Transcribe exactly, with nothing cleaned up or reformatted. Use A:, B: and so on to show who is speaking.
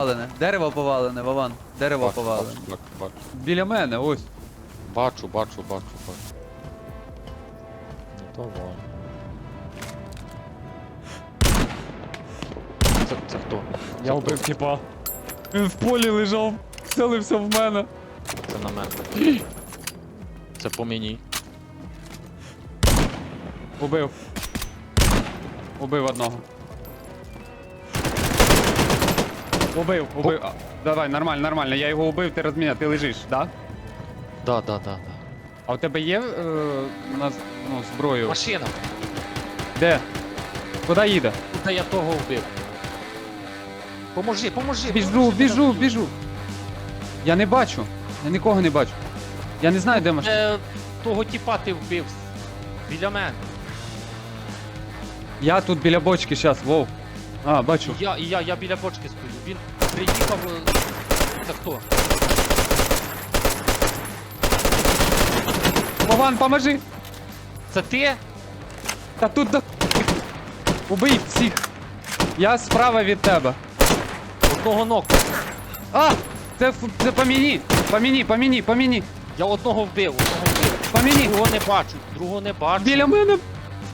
A: повалене. Дерево повалене, Вован. Дерево
B: Бачу,
A: повалене.
B: бачу, бачу, бачу.
A: Біля мене, ось.
B: Бачу, бачу, бачу, бачу. Ну давай. Це, це хто?
A: Я вбив типа. Він в полі лежав, селився в мене.
B: Це на мене. Це по мені.
A: Убив. Убив одного. Убив, убив. А, давай, нормально, нормально. Я його убив, ти розміняв, ти лежиш, да?
B: Да, да, да, да.
A: А у тебе є е, на, ну, зброю?
B: Машина!
A: Де? Куди їде?
B: Куди я того вбив? Поможи, поможи!
A: Біжу,
B: поможи,
A: біжу,
B: поможи.
A: біжу. Я не бачу. Я нікого не бачу. Я не знаю, де машина.
B: Е, того тіпа ти вбив. Біля мене.
A: Я тут біля бочки зараз, вов. А, бачу.
B: І я, і я, я біля бочки стою. Він приїхав. е, Це хто?
A: Вован, поможи!
B: Це ти?
A: Та тут до... Убий всіх. Я справа від тебе.
B: Одного ног.
A: А! Це, ф- це по мені! По мені, по мені, по мені!
B: Я одного вбив, одного вбив.
A: По мені!
B: Другого не бачу, другого не бачу.
A: Біля мене!